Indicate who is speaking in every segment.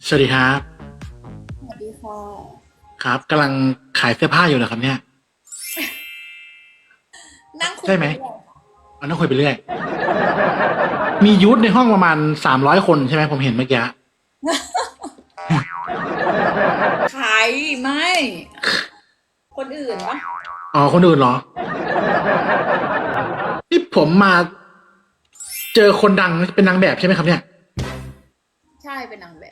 Speaker 1: สวัสดีครับ
Speaker 2: สวัสดีค่ะ
Speaker 1: ครับกำลังขายเสื้อผ้าอยู่เหรอครับเนี่ย
Speaker 2: นั่งคุย
Speaker 1: ใช่ไหม
Speaker 2: ปเรื่อย
Speaker 1: มันต้องคุยไปเรื่อยมียูทในห้องประมาณ300 คนใช่ไหมผมเห็นเมื่อกี้
Speaker 2: ใครไม่ คนอื่นปะ
Speaker 1: อ๋อคนอื่นเหรอนี่ผมมาเจอคนดังเป็นนางแบบใช่ไหมครับเนี่ย
Speaker 2: ใช่เป็นนางแบบ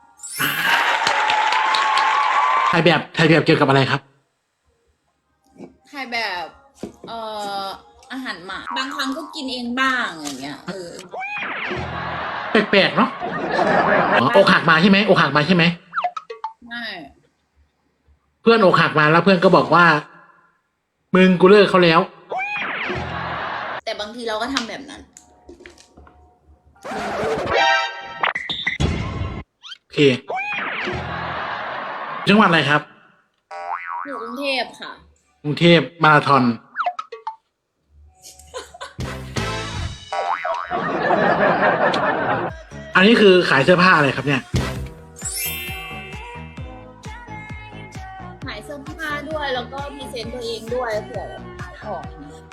Speaker 1: ถ่ายแบบเกี่ยวกับอะไรครับ
Speaker 2: ถ่ายแบบเอ่ออาหารหมาบางครั้งก็กินเองบ้างอย่างเงี้ย
Speaker 1: แปลกๆเนาะอ๋ออกหักมาใช่ไหมอกหักมาใช่ไหม
Speaker 2: ไม่
Speaker 1: เพื่อนอกหักมาแล้วเพื่อนก็บอกว่ามึงกูเลิกเขาแล้ว
Speaker 2: แต่บางทีเราก็ทำแบบนั้น
Speaker 1: โอเคจังหวัดอะไรครับ
Speaker 2: อยู่กรุงเทพค่ะ
Speaker 1: กรุงเทพมาราธอนอันนี้คือขายเสื้อผ้าอะไรครับเนี่ย
Speaker 2: ขายเสื้อผ้าด้วยแล้วก็พรีเซนต์ตัวเองด้วยเผื่อแบบขายของ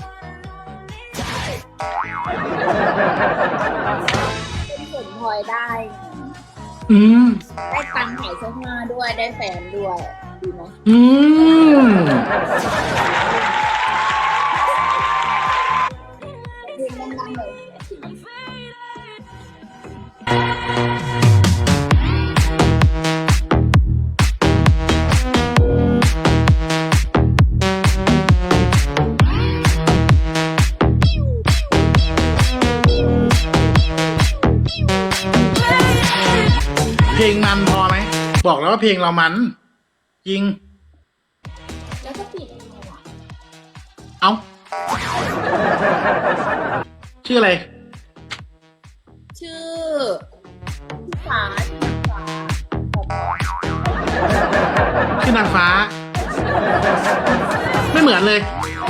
Speaker 2: เป็นผลพลอยได้
Speaker 1: อืม
Speaker 2: ได้ตังค์ขายเสื้อผ้าด้วยได้แฟนด้วยดีไหม
Speaker 1: อืม
Speaker 2: เพลงดังๆเลย
Speaker 1: เพลงมันพอไหมบอกแล้วว่าเพลงเรามันจริง
Speaker 2: แล้วก็ปิดยังไงวะ
Speaker 1: เอ้าชื่ออะไร
Speaker 2: ชื่อพี่ฟ้า
Speaker 1: ชื่อนางฟ้าไม่เหมือนเลย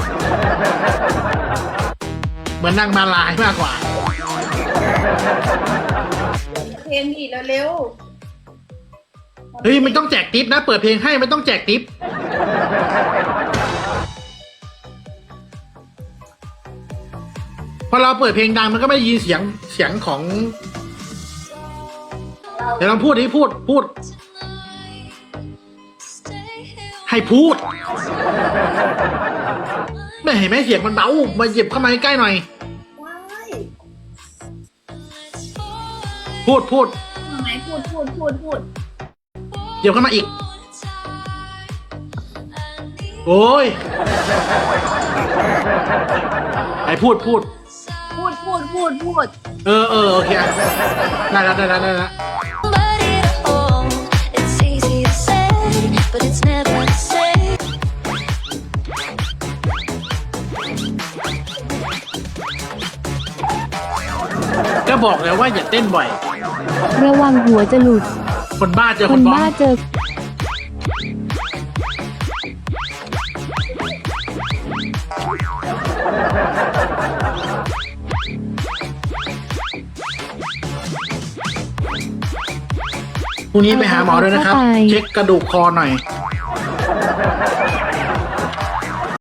Speaker 1: เหมือนนางมาลายมากกว่า
Speaker 2: เพลงอีกแล้วเร็ว
Speaker 1: เฮ้ยไม่ต้องแจกทิปนะเปิดเพลงให้ไม่ต้องแจกทิปพอเราเปิดเพลงดังมันก็ไม่ได้ยินเสียงของเดี๋ยวลองพูดดิพูดให้พูดไม่เห็นไหมเสียงมันเบามาหยิบเข้ามาใกล้หน่อย
Speaker 2: ได้
Speaker 1: พูด
Speaker 2: ทำไมพูด
Speaker 1: หยิบเข้ามาอีกโอ้ยไอ้พูดเออโอเคได้แล้ว
Speaker 3: Somebody to hold. It's easy to say, but it's never the same.
Speaker 1: ก็บอกแล้วว่าอย่าเต้นบ่อย
Speaker 4: ระวังหัวจะหลุด
Speaker 1: คนบ้าเจอ
Speaker 4: ค
Speaker 1: คน
Speaker 4: น
Speaker 1: บ้า
Speaker 4: บ้าเจอ
Speaker 1: พรุ่งนี้ไปหาหมอด้วยนะครับเช็คกระดูกคอหน่อย